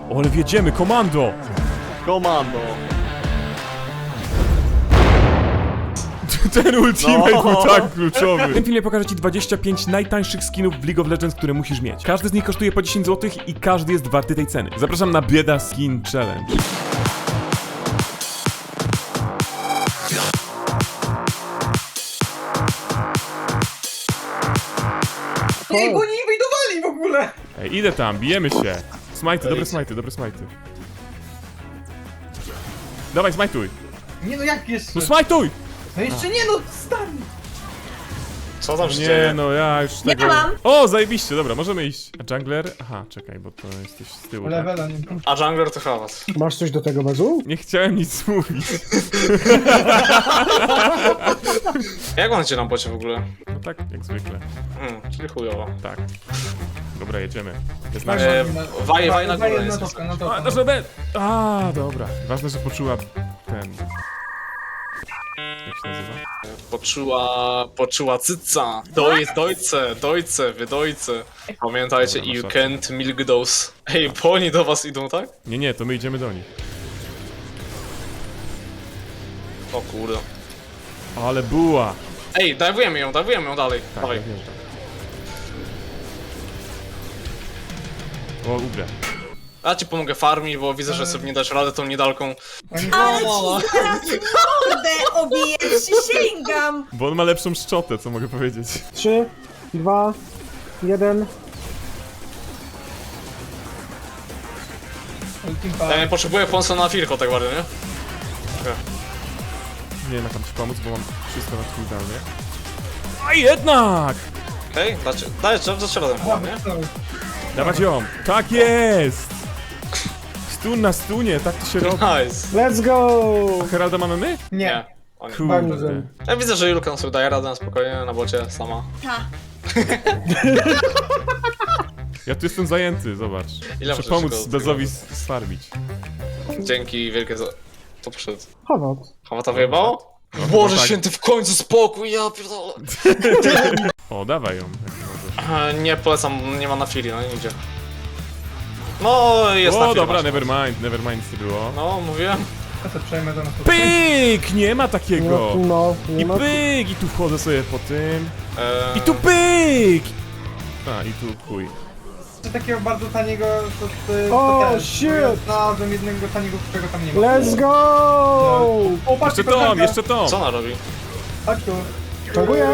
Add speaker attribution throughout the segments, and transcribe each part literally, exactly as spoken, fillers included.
Speaker 1: O, ale wjedziemy, komando!
Speaker 2: Komando.
Speaker 1: Ten ultimate
Speaker 2: No.
Speaker 1: był tak kluczowy. W tym filmie pokażę ci dwadzieścia pięć najtańszych skinów w League of Legends, które musisz mieć. Każdy z nich kosztuje po dziesięć złotych i każdy jest warty tej ceny. Zapraszam na Bieda Skin Challenge.
Speaker 3: Ej, bo nie inwajdowali w ogóle!
Speaker 1: Ej, idę tam, bijemy się. Smajty, dobre smajty, dobre smajty. Dawaj, smajtuj.
Speaker 3: Nie no, jak jeszcze?
Speaker 1: No smajtuj!
Speaker 3: No jeszcze nie no, stary!
Speaker 2: Co tam się
Speaker 1: Nie
Speaker 2: dzieje?
Speaker 1: no, ja już tego...
Speaker 4: mam.
Speaker 1: O, zajebiście, dobra, możemy iść. A jungler? Aha, czekaj, bo to jesteś z tyłu, tak?
Speaker 3: Levela nie wiem.
Speaker 2: A jungler to hałas.
Speaker 5: Masz coś do tego bezu?
Speaker 1: Nie chciałem nic mówić.
Speaker 2: Jak on idzie na bocie w ogóle?
Speaker 1: No tak, jak zwykle.
Speaker 2: Hmm, czyli chujowo.
Speaker 1: Tak. Dobra, jedziemy. Jest nasz...
Speaker 2: E, waj, waj na górę
Speaker 3: na
Speaker 2: jest.
Speaker 3: topkę, na
Speaker 1: A,
Speaker 3: topkę.
Speaker 1: nasz B! A, dobra. Ważne, że poczuła ten... Jak się nazywa?
Speaker 2: Poczuła, poczuła cyca. Doj, dojce, dojce, wydojce. Pamiętajcie,
Speaker 1: Dobra,
Speaker 2: you
Speaker 1: masz
Speaker 2: can't milk those. Ej, bo oni do was idą, tak?
Speaker 1: Nie, nie, to my idziemy do nich.
Speaker 2: O kurde.
Speaker 1: Ale buła!
Speaker 2: Ej, dajwujemy ją, dajwujemy ją dalej.
Speaker 1: Tak,
Speaker 2: Dawaj.
Speaker 1: ja wjeżdżam. O, ubrę.
Speaker 2: Ja ci pomogę farmić, bo widzę, że sobie nie dasz radę tą niedalką.
Speaker 3: Oni-
Speaker 4: Ale ci zaraz mordę obiję, przysięgam!
Speaker 1: Bo on ma lepszą szczotę, co mogę powiedzieć.
Speaker 5: Trzy, dwa, jeden.
Speaker 3: Ultimpa.
Speaker 2: Ja nie potrzebuję pomocy na Firko tak bardzo, nie?
Speaker 1: Nie wiem, jak tam ci pomóc, bo mam wszystko na cooldownie. A jednak!
Speaker 2: Okej, okay, dajesz, dajesz radę, nie?
Speaker 1: Dawać ją! Tak jest! Stun na stunie, tak to się robi.
Speaker 2: Nice.
Speaker 5: Let's go!
Speaker 1: A Heralda mamy my?
Speaker 3: Nie.
Speaker 2: Nie. Oni.
Speaker 1: Kurde.
Speaker 2: Ja widzę, że Julka sobie daje radę na spokojnie na bocie sama.
Speaker 4: Ta.
Speaker 1: Ja tu jestem zajęty, zobacz.
Speaker 2: Ile
Speaker 1: Muszę
Speaker 2: możesz
Speaker 1: pomóc
Speaker 2: go-
Speaker 1: Bezowi s- sfarmić.
Speaker 2: Dzięki wielkie za... To poszedł.
Speaker 5: Chowat.
Speaker 2: Chawata wyjebało?
Speaker 1: No,
Speaker 2: Boże
Speaker 1: tak.
Speaker 2: święty, w końcu spokój, ja pierdolę.
Speaker 1: O, dawaj ją, jak możesz.
Speaker 2: E, Nie polecam, nie ma na Fili, no nie idzie. No, jest na
Speaker 1: O,
Speaker 2: Fili.
Speaker 1: dobra,
Speaker 2: masz.
Speaker 1: nevermind, nevermind nie było.
Speaker 2: No, mówiłem.
Speaker 3: Ja to przejmę do nas.
Speaker 1: Pyk! Nie ma
Speaker 5: No,
Speaker 1: takiego!
Speaker 5: no, nie
Speaker 1: I
Speaker 5: ma...
Speaker 1: pyk! I tu wchodzę sobie po tym.
Speaker 2: E,
Speaker 1: I tu pyk! A, i tu chuj.
Speaker 3: Czy takiego bardzo taniego, to, to,
Speaker 5: O,
Speaker 3: to też.
Speaker 5: shit!
Speaker 3: Ja znalazłem jednego taniego, którego tam nie ma.
Speaker 5: Let's go!
Speaker 3: O, patrz,
Speaker 1: Jeszcze Tom, jeszcze Tom!
Speaker 2: Co ona robi?
Speaker 3: Chodź tu.
Speaker 5: Dziękuję.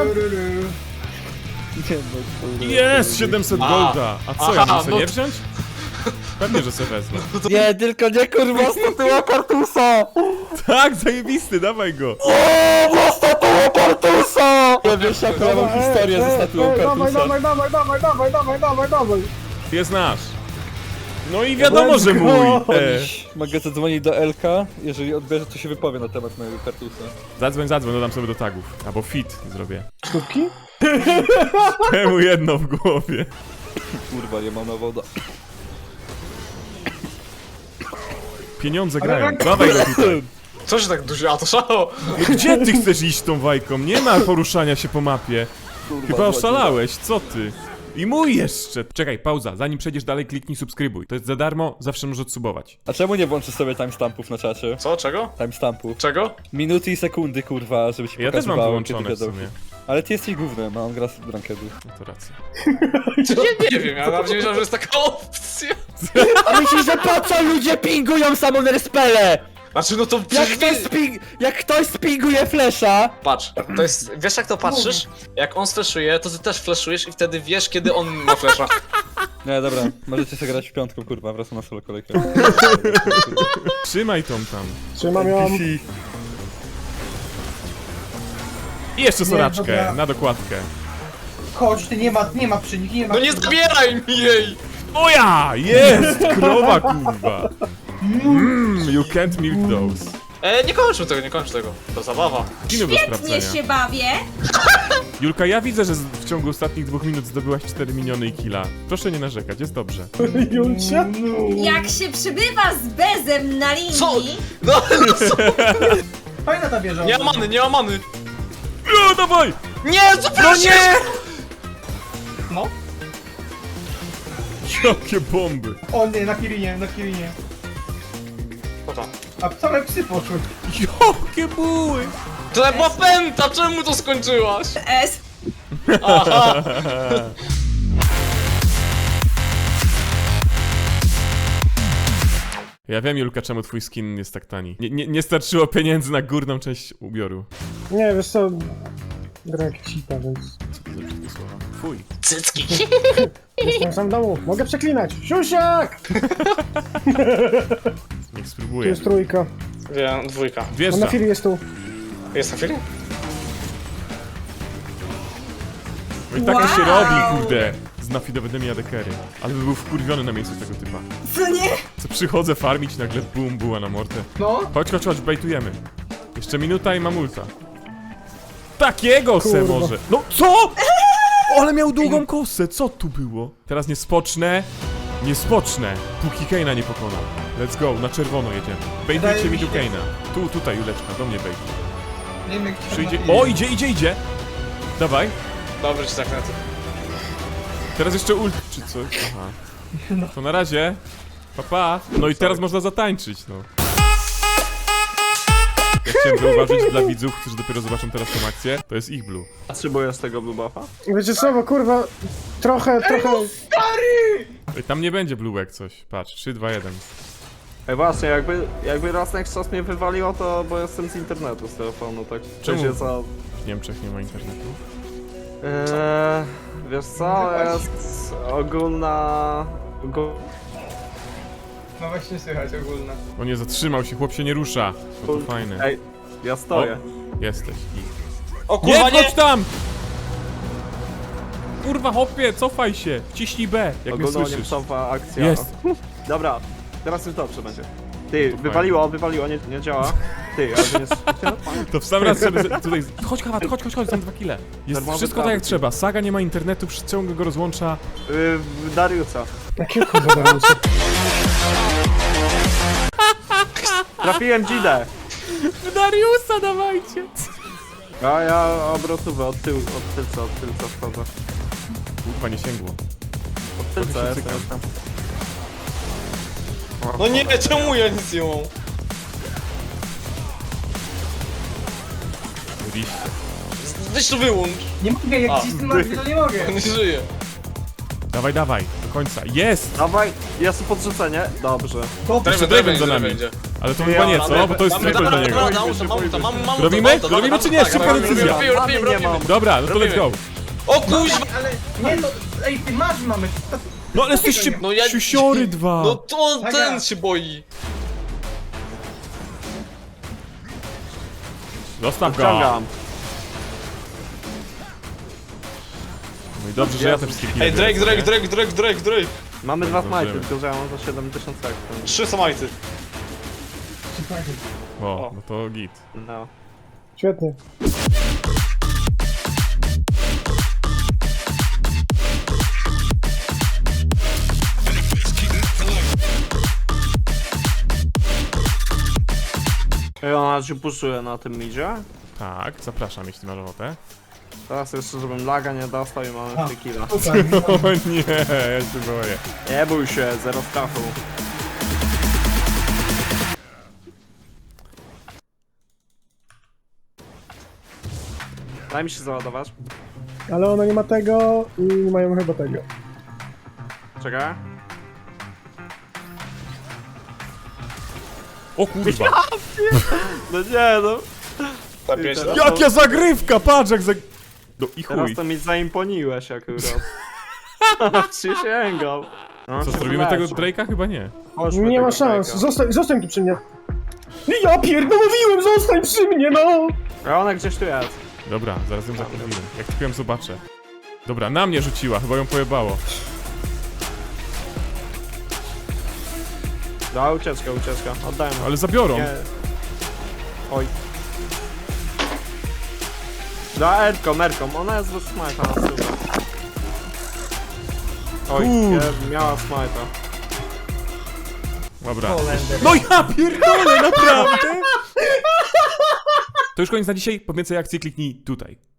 Speaker 1: Jest! siedemset
Speaker 2: A.
Speaker 1: golda! A co, ja
Speaker 2: Aha,
Speaker 1: mam sobie
Speaker 2: no
Speaker 1: nie
Speaker 2: to-
Speaker 1: wziąć? Pewnie, że sobie wezmę.
Speaker 6: Nie, tylko nie kurwa statua Kartusa!
Speaker 1: Tak, zajebisty, dawaj go!
Speaker 6: O, statua Kartusa! Nie wiesz jaką ja mam historię ze statuą
Speaker 5: ej, dawaj,
Speaker 6: Kartusa.
Speaker 5: dawaj, dawaj, dawaj, dawaj, dawaj, dawaj, dawaj.
Speaker 1: Jest nasz. No i wiadomo,
Speaker 5: Let's
Speaker 1: że
Speaker 5: go.
Speaker 1: mój! E,
Speaker 6: Mogę zadzwonić do Elka, jeżeli odbierze, to się wypowie na temat mojego Kartusa.
Speaker 1: zadzwoń, zadzwoń, dodam sobie do tagów. Albo fit zrobię.
Speaker 5: Sztuki?
Speaker 1: Temu jedno w głowie.
Speaker 6: Kurwa, nie mam na woda.
Speaker 1: Pieniądze grają. Dawaj go tutaj.
Speaker 2: Co się tak dużo? A to szało!
Speaker 1: Gdzie ty chcesz iść tą wajką? Nie ma poruszania się po mapie.
Speaker 6: Kurwa,
Speaker 1: Chyba
Speaker 6: zła
Speaker 1: oszalałeś, co ty? I mój jeszcze! Czekaj, pauza. Zanim przejdziesz dalej, kliknij subskrybuj. To jest za darmo, zawsze możesz odsubować.
Speaker 6: A czemu nie włączysz sobie timestampów na czacie?
Speaker 2: Co? Czego?
Speaker 6: Timestampów.
Speaker 2: Czego?
Speaker 6: Minuty i sekundy, kurwa, żeby ci
Speaker 1: Ja też mam
Speaker 6: pokazywało, kiedy
Speaker 1: wyłączone w
Speaker 6: wiadomo.
Speaker 1: sumie.
Speaker 6: Ale ty jesteś gównem, a on gra z rankedu.
Speaker 1: No to racja.
Speaker 2: Ja nie wiem, ja nawet nie wiedziałem, że jest taka opcja.
Speaker 6: A myślisz, że po co ludzie pingują samą respelę?
Speaker 2: Znaczy, no to
Speaker 6: Jak
Speaker 2: przecież
Speaker 6: ktoś,
Speaker 2: wie...
Speaker 6: sping jak ktoś spinguje flesza,
Speaker 2: Patrz, to jest... Wiesz jak to patrzysz? Jak on flashuje, to ty też flashujesz i wtedy wiesz, kiedy on ma flasha.
Speaker 6: nie, dobra, możecie sobie grać w piątką, kurwa, wracam na solo kolejkę.
Speaker 1: Trzymaj tą tam.
Speaker 5: Trzymam ją.
Speaker 1: I jeszcze soraczkę,
Speaker 3: dobra.
Speaker 1: na dokładkę.
Speaker 3: Chodź, ty nie ma, nie ma przy nich, nie ma.
Speaker 2: No nie zabieraj mi jej!
Speaker 1: O ja! Jest! Krowa, kurwa! Mmm, you can't milk those.
Speaker 2: E, nie kończmy tego, nie kończ tego. To zabawa.
Speaker 1: Kino do
Speaker 4: Świetnie
Speaker 1: sprawdzenia.
Speaker 4: się bawię!
Speaker 1: Julka, ja widzę, że z- w ciągu ostatnich dwóch minut zdobyłaś cztery miniony i killa. Proszę nie narzekać, jest dobrze.
Speaker 5: Julcia?
Speaker 4: Jak się przybywa z bezem na linii...
Speaker 2: Co? No, no co?
Speaker 3: Fajna ta wieża.
Speaker 2: Nie ma many, nie ma many!
Speaker 1: No, dawaj!
Speaker 2: Nie, co
Speaker 1: No nie!
Speaker 3: No.
Speaker 1: Jakie bomby.
Speaker 3: O nie, na Kirinie, na Kirinie.
Speaker 2: Co tam?
Speaker 3: A same psy poszły.
Speaker 1: Jakie buły.
Speaker 2: To była pęta, czemu to skończyłaś?
Speaker 4: S.
Speaker 2: Aha!
Speaker 1: Ja wiem, Julka, czemu twój skin jest tak tani. Nie, nie, nie starczyło pieniędzy na górną część ubioru.
Speaker 5: Nie, wiesz co... Gra jak cita, więc...
Speaker 1: Co to za brzydkie słowa? Fuj.
Speaker 2: Cycki.
Speaker 5: Jestem sam w domu, mogę przeklinać! Siusiak!
Speaker 1: Niech
Speaker 5: Tu
Speaker 1: spróbuję.
Speaker 5: jest trójka.
Speaker 2: Wiem, dwójka.
Speaker 5: On na
Speaker 1: Wjeżdża.
Speaker 5: chwili jest tu.
Speaker 2: Jest na chwili?
Speaker 1: No i tak on się
Speaker 4: Wow.
Speaker 1: robi, kurde. Z nafidowymi adekery. Ale by był wkurwiony na miejscu tego typa.
Speaker 4: Co nie?
Speaker 1: Co przychodzę farmić, nagle bum, buła na mortę.
Speaker 3: No.
Speaker 1: Chodź, chodź, chodź, bejtujemy. Jeszcze minuta i mam ulta. Takiego se
Speaker 5: Kurwa.
Speaker 1: może. No co? O, ale miał długą kosę, co tu było? Teraz nie spocznę. Nie spocznę, póki Kane'a nie pokonam. Let's go, na czerwono jedziemy. Bejtujcie
Speaker 3: Wydaje
Speaker 1: mi
Speaker 3: mi
Speaker 1: tu
Speaker 3: się-
Speaker 1: Kane'a. Tu, tutaj, Juleczka, do mnie bejtuj.
Speaker 3: Nie wiem jak się
Speaker 1: Przyjdzie...
Speaker 3: na Kirinie.
Speaker 1: O, idzie, idzie, idzie! Dawaj.
Speaker 2: Dobry ci zakręty.
Speaker 1: Teraz jeszcze ult, czy coś? Aha. To na razie. Pa, pa. No i teraz można zatańczyć, no. Ja chciałem zauważyć dla widzów, którzy dopiero zobaczą teraz tą akcję, to jest ich blue.
Speaker 6: Potrzebujesz tego blue buffa?
Speaker 5: Wiecie co, bo kurwa... Trochę, trochę...
Speaker 1: Ej, tam nie będzie blue jak coś. Patrz, trzy, dwa, jeden.
Speaker 6: Ej właśnie, jakby, jakby raz na jakiś czas mnie wywaliło, to bo jestem z internetu, z telefonu, tak.
Speaker 1: Czemu?
Speaker 6: Wiecie co?
Speaker 1: W Niemczech nie ma internetu.
Speaker 6: Eee, wiesz co, jest ogólna... Ogól...
Speaker 3: No właśnie słychać ogólne.
Speaker 1: O nie, zatrzymał się, chłop się nie rusza. No to fajne.
Speaker 6: Ej, ja stoję.
Speaker 1: Jesteś. I...
Speaker 2: O
Speaker 1: Nie,
Speaker 2: kurwa, nie!
Speaker 1: chodź tam! Kurwa, hopie, cofaj się! Ciśnij B, jak mnie
Speaker 6: Ogólna
Speaker 1: słyszysz.
Speaker 6: niemcowa akcja.
Speaker 1: Jest.
Speaker 6: Dobra, teraz już dobrze będzie. Ty, wywaliło, wywaliło, nie, nie działa. Ty, ale to nie jest...
Speaker 1: To w sam raz sobie z- tutaj... Chodź, Kawat, chodź, chodź, chodź, tam dwa kile. Jest
Speaker 6: Darmowy
Speaker 1: wszystko tak jak
Speaker 6: trafik.
Speaker 1: trzeba. Saga nie ma internetu, ciągle go rozłącza.
Speaker 6: Yy, Dariusa.
Speaker 5: Jakie kurwa dające.
Speaker 6: Trafiłem Dzidę.
Speaker 1: Dariusa dawajcie!
Speaker 6: A ja obrotówę od tyłu, od tylca, od tylca wchodzę.
Speaker 1: Kurwa, nie sięgło.
Speaker 6: Od tylca
Speaker 1: Trochę się
Speaker 6: jestem.
Speaker 1: cykam.
Speaker 2: No nie, czemu ja nic nie mam?
Speaker 1: Oczywiście.
Speaker 2: Weź to wyłącz.
Speaker 3: Nie mogę, jak
Speaker 2: A,
Speaker 3: cisnę na to nie mogę.
Speaker 2: On nie żyje.
Speaker 1: Dawaj, dawaj, do końca. Jest!
Speaker 6: Dawaj, jest podrzucenie. Dobrze.
Speaker 3: Dobrze.
Speaker 1: Jeszcze Draven za nami. Ale to chyba nie, co? Bo to jest
Speaker 2: Mamy-
Speaker 1: triple dla
Speaker 2: dobra,
Speaker 1: niego.
Speaker 2: dobra, dobra, mam uta, mam- mam
Speaker 1: Robimy?
Speaker 2: uta, dobra,
Speaker 1: Robimy
Speaker 2: dobra,
Speaker 1: czy nie?
Speaker 2: tak,
Speaker 1: Szybka
Speaker 2: robimy,
Speaker 1: decyzja.
Speaker 2: robimy, robimy,
Speaker 6: Mamy nie
Speaker 2: robimy.
Speaker 6: mam.
Speaker 1: Dobra, no to let's go.
Speaker 2: O kuźwa!
Speaker 3: Ale nie, to... Ej, ty masz mamy. To...
Speaker 1: No ale jesteście
Speaker 2: No ja-
Speaker 1: siusiory dwa.
Speaker 2: No to on
Speaker 3: Saga.
Speaker 2: ten się boi.
Speaker 1: Zostaw go.
Speaker 6: Wciągam.
Speaker 1: No i dobrze, że ja te wszystkie kile
Speaker 2: Ej, Drake,
Speaker 1: biorę,
Speaker 2: Drake,
Speaker 1: nie?
Speaker 2: Drake, Drake, Drake, Drake.
Speaker 6: Mamy dwa
Speaker 1: Zdążymy.
Speaker 6: smajty, tylko że ja mam za siedemdziesiąt sekund.
Speaker 2: Trzy samajty.
Speaker 1: O, no to git.
Speaker 6: No.
Speaker 5: Świetnie.
Speaker 6: I ona się puszuje na tym midzie.
Speaker 1: Tak, zapraszam, jeśli masz ochotę.
Speaker 6: Teraz jeszcze, żebym laga nie dostał i mamy
Speaker 3: A.
Speaker 6: trzy killa.
Speaker 3: Super.
Speaker 1: O nie, ja się boję.
Speaker 6: Nie bój się, zero strachu. Daj mi się załadować.
Speaker 5: Ale ona nie ma tego i nie mają chyba tego.
Speaker 6: Czekaj.
Speaker 1: O kurwa.
Speaker 6: No nie no.
Speaker 2: Zapięć
Speaker 6: Teraz-
Speaker 1: Jaka zagrywka, patrz jak za... No i
Speaker 6: Teraz
Speaker 1: chuj.
Speaker 6: to mi zaimponiłeś akurat. Przysięgam. No,
Speaker 1: Co,
Speaker 6: się
Speaker 1: zrobimy tego
Speaker 6: wyleczę.
Speaker 1: Drake'a? Chyba nie.
Speaker 6: Chodźmy
Speaker 5: Nie ma
Speaker 6: tego
Speaker 5: szans.
Speaker 6: Drake'a.
Speaker 5: Zostań, zostań tu przy mnie. Ja pierdolę, mówiłem, zostań przy mnie, no!
Speaker 6: A ona gdzieś tu jest.
Speaker 1: Dobra, zaraz ją zakurwimy. Jak tylko ją zobaczę. Dobra, na mnie rzuciła, chyba ją pojebało.
Speaker 6: Da, ucieczka, ucieczka. Oddajmy.
Speaker 1: Ale zabiorą.
Speaker 6: Nie. Oj. Da, Erką, Erką. Ona jest bez smajta na stówę. Oj,
Speaker 1: Kur-
Speaker 6: nie, miała smajta.
Speaker 1: Dobra.
Speaker 3: Holender.
Speaker 1: No ja pierdolę, naprawdę! To już koniec na dzisiaj. Po więcej akcji kliknij tutaj.